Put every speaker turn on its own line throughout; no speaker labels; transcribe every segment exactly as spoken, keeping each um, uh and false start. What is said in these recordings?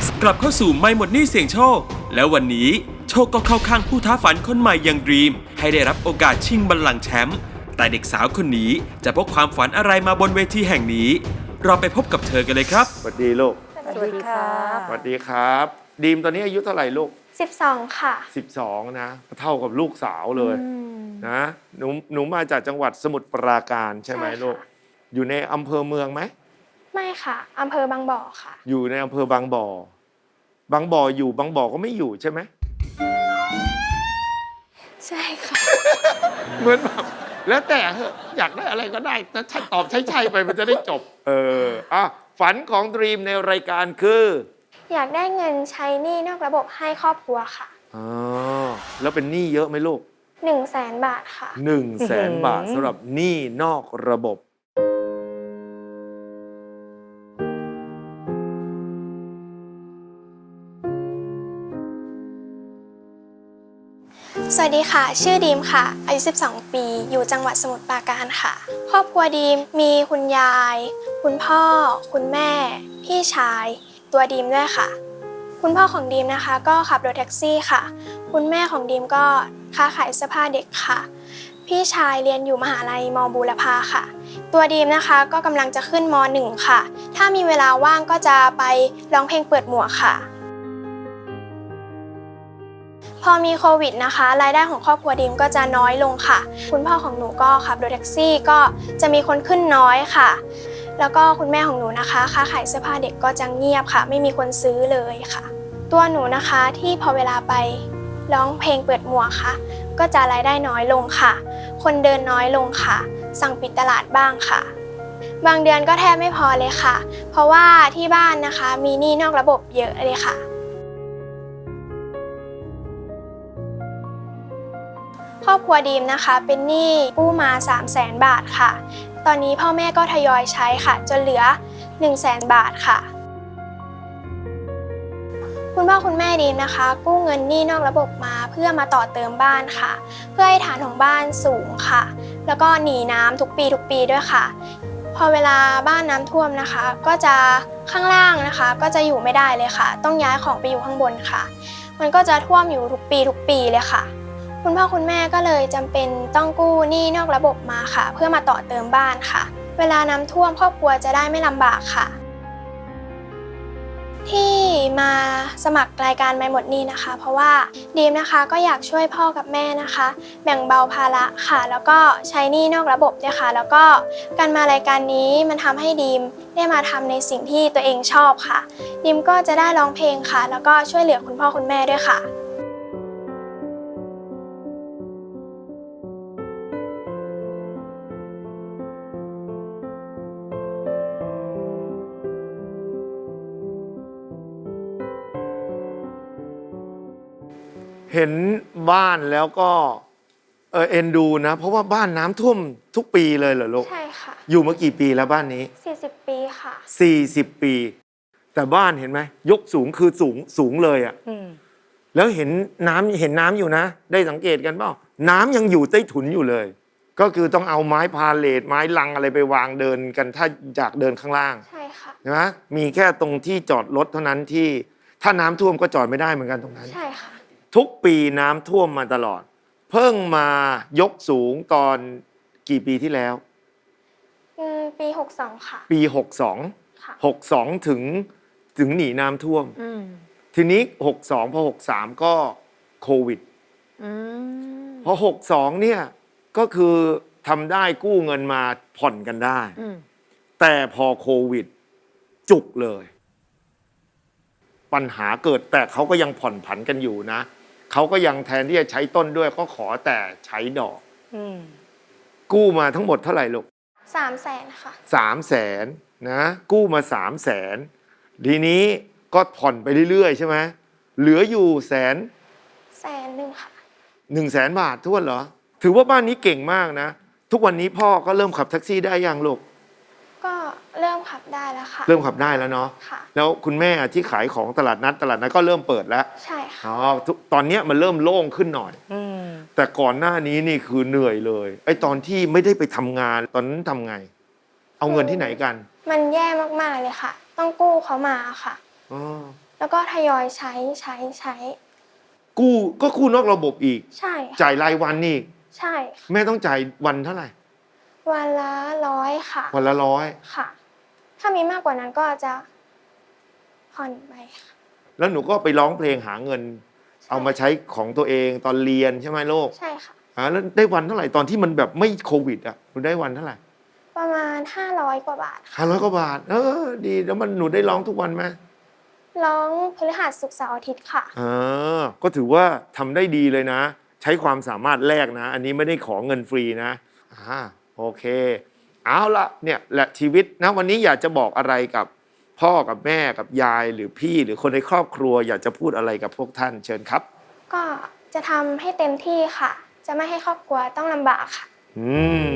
กลับเข้าสู่ไม่หมดหนี้เสี่ยงโชคแล้ววันนี้โชคก็เข้าข้างผู้ท้าฝันคนใหม่อย่างดรีมให้ได้รับโอกาสชิงบัลลังก์แชมป์แต่เด็กสาวคนนี้จะพกความฝันอะไรมาบนเวทีแห่งนี้เราไปพบกับเธอกันเลยครับ
สวัสดีลูก
สวัสดีครับ
สวัสดีครับดีมตอนนี้อายุเท่าไหร่ลูก
สิบสองค่ะ
สิบสองนะเท่ากับลูกสาวเลยนะหนูหนูมาจากจังหวัดสมุทรปราการใช่ไหมลูกอยู่ในอำเภอเมืองไหม
ไม่ค่ะอำเภอบางบ่อค่ะ
อยู่ในอำเภอบางบ่อบางบ่ออยู่บางบ่อก็ไม่อยู่ใช่ไหม
ใช่ค่ะ
เหมือนแบบแล้วแต่เหอะอยากได้อะไรก็ได้แต่ถ้าตอบใช่ๆไปมันจะได้จบเอออ่ะฝันของดรีมในรายการคือ
อยากได้เงินใช้หนี้นอกระบบให้ครอบครัวค่ะ
อ๋อแล้วเป็นหนี้เยอะไหมลูก
หนึ่งแสนบาทค่ะ
หนึ่งแสนบาทสำหรับหนี้นอกระบบ
สวัสดีค่ะชื่อดีมค่ะอายุสิบสองปีอยู่จังหวัดสมุทรปราการค่ะครอบครัวดีมมีคุณยายคุณพ่อคุณแม่พี่ชายตัวดีมด้วยค่ะคุณพ่อของดีมนะคะก็ขับรถแท็กซี่ค่ะคุณแม่ของดีมก็ค้าขายเสื้อผ้าเด็กค่ะพี่ชายเรียนอยู่มหาลัยมบูรพาค่ะตัวดีมนะคะก็กำลังจะขึ้นมหนึ่งค่ะถ้ามีเวลาว่างก็จะไปร้องเพลงเปิดหมวกค่ะพอมีโควิดนะคะรายได้ของครอบครัวดีมก็จะน้อยลงค่ะคุณพ่อของหนูก็ขับรถแท็กซี่ก็จะมีคนขึ้นน้อยค่ะแล้วก็คุณแม่ของหนูนะคะค้าขายเสื้อผ้าเด็กก็จะเงียบค่ะไม่มีคนซื้อเลยค่ะตัวหนูนะคะที่พอเวลาไปร้องเพลงเปิดหมวกค่ะก็จะรายได้น้อยลงค่ะคนเดินน้อยลงค่ะสั่งปิดตลาดบ้างค่ะบางเดือนก็แทบไม่พอเลยค่ะเพราะว่าที่บ้านนะคะมีหนี้นอกระบบเยอะเลยค่ะครอบครัวดีมนะคะเป็นหนี้กู้มา สามแสน บาทค่ะตอนนี้พ่อแม่ก็ทยอยใช้ค่ะจนเหลือ หนึ่งแสน บาทค่ะคุณพ่อคุณแม่ดีมนะคะกู้เงินหนี้นอกระบบมาเพื่อมาต่อเติมบ้านค่ะเพื่อให้ฐานของบ้านสูงค่ะแล้วก็หนีน้ำทุกปีทุกปีด้วยค่ะพอเวลาบ้านน้ำท่วมนะคะก็จะข้างล่างนะคะก็จะอยู่ไม่ได้เลยค่ะต้องย้ายของไปอยู่ข้างบนค่ะมันก็จะท่วมอยู่ทุกปีทุกปีเลยค่ะคุณพ่อคุณแม่ก็เลยจำเป็นต้องกู้หนี้นอกระบบมาค่ะเพื่อมาต่อเติมบ้านค่ะเวลาน้ำท่วมครอบครัวจะได้ไม่ลำบากค่ะที่มาสมัครรายการไม่หมดหนี้นะคะเพราะว่าดีมนะคะก็อยากช่วยพ่อกับแม่นะคะแบ่งเบาภาระค่ะแล้วก็ใช้หนี้นอกระบบด้วยค่ะแล้วก็การมารายการนี้มันทำให้ดีมได้มาทำในสิ่งที่ตัวเองชอบค่ะดีมก็จะได้ร้องเพลงค่ะแล้วก็ช่วยเหลือคุณพ่อคุณแม่ด้วยค่ะ
เห็นบ้านแล้วก็เออเอ็นดูนะเพราะว่าบ้านน้ำท่วมทุกปีเลยเหรอลูก
ใช่ค่ะ
อยู่มากี่ปีแล้วบ้านนี้
สี่สิบปีค่ะ
สี่สิบปีแต่บ้านเห็นไหมยกสูงคือสูงสูงเลยอ่ะแล้วเห็นน้ำเห็นน้ำอยู่นะได้สังเกตกันเปล่าน้ำยังอยู่ใต้ถุนอยู่เลยก็คือต้องเอาไม้พาเลทไม้ลังอะไรไปวางเดินกันถ้าอยากเดินข้างล่าง
ใช่ค่ะ
นะมีแค่ตรงที่จอดรถเท่านั้นที่ถ้าน้ำท่วมก็จอดไม่ได้เหมือนกันตรงนั้น
ใช่ค่ะ
ทุกปีน้ำท่วมมาตลอดเพิ่งมายกสูงตอนกี่ปีที่แล้ว
ปีหกสองค่ะ
ปีหกสองหกสองถึงถึงหนีน้ำท่วมทีนี้หกสองพอหกสามก็โควิดพอหกสองเนี่ยก็คือทำได้กู้เงินมาผ่อนกันได้แต่พอโควิดจุกเลยปัญหาเกิดแต่เขาก็ยังผ่อนผันกันอยู่นะเขาก็ยังแทนที่จะใช้ต้นด้วยก็ขอแต่ใช้ดอกกู้มาทั้งหมดเท่าไหร่ลูก
สามแสนค่ะ
สามแสนนะกู้มาสามแสนทีนี้ก็ผ่อนไปเรื่อยๆใช่ไหมเหลืออยู่แสน
แสนหนึ่งค่ะ
หนึ่งแสนบาททวนเหรอถือว่าบ้านนี้เก่งมากนะทุกวันนี้พ่อก็เริ่มขับแท็กซี่ได้ยังลูก
ก็เริ่มขับได้แล้วค่ะ
เริ่มขับได้แล้วเนาะแล้วคุณแม่ที่ขายของตลาดนัดตลาดนัดก็เริ่มเปิดแล้ว
ใช่ค่ะ
อ๋อตอนนี้มันเริ่มโล่งขึ้นหน่อยแต่ก่อนหน้านี้นี่คือเหนื่อยเลยไอ้ตอนที่ไม่ได้ไปทำงานตอนนั้นทำไงเอาเงินที่ไหนกัน
มันแย่มากๆเลยค่ะต้องกู้เขามาค่ะ
อ๋อ
แล้วก็ทยอยใช้ใช้ใช้
กู้ก็กู้นอกระบบอีก
ใช่ค่ะ
จ่ายรายวันนี่
ใช่ค่ะ
แม่ต้องจ่ายวันเท่าไหร่
วันละร้อยค่ะ
วันละร้อย
ค่ะ ถ้ามีมากกว่านั้นก็จะผ่อนไปค่ะ
แล้วหนูก็ไปร้องเพลงหาเงิน
ใช่
เอามาใช้ของตัวเองตอนเรียนใช่ไหมลูก
ใช่ค่ะ
อ่าแล้วได้วันเท่าไหร่ตอนที่มันแบบไม่โควิดอ่ะหนูได้วันเท่าไหร่
ประมาณห้าร้อยกว่าบาทค่ะ
ห้าร้อยกว่าบาท เออ ดีแล้วมันหนูได้ร้องทุกวันไหม
ร้องพฤหัสศุกร์เสาร์อาทิตย์ค่ะ
อ่าก็ถือว่าทำได้ดีเลยนะ ใช้ความสามารถแลกนะ อันนี้ไม่ได้ขอเงินฟรีนะอ่าโอเค เอาละเนี่ยแหละชีวิตนะวันนี้อยากจะบอกอะไรกับพ่อกับแม่กับยายหรือพี่หรือคนในครอบครัว อยากจะพูดอะไรกับพวกท่านเชิญครับ
ก็จะทำให้เต็มที่ค่ะ จะไม่ให้ครอบครัวต้องลำบากค่ะ
อืม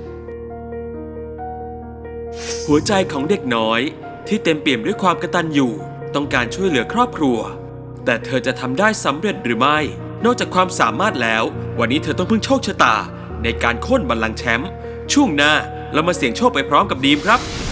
หัวใจของเด็กน้อยที่เต็มเปี่ยมด้วยความกตัญญูต้องการช่วยเหลือครอบครัว แต่เธอจะทำได้สำเร็จหรือไม่ นอกจากความสามารถแล้ว วันนี้เธอต้องพึ่งโชคชะตาในการโค่นบัลลังก์แชมป์ช่วงหน้าเรามาเสี่ยงโชคไปพร้อมกับดีมครับ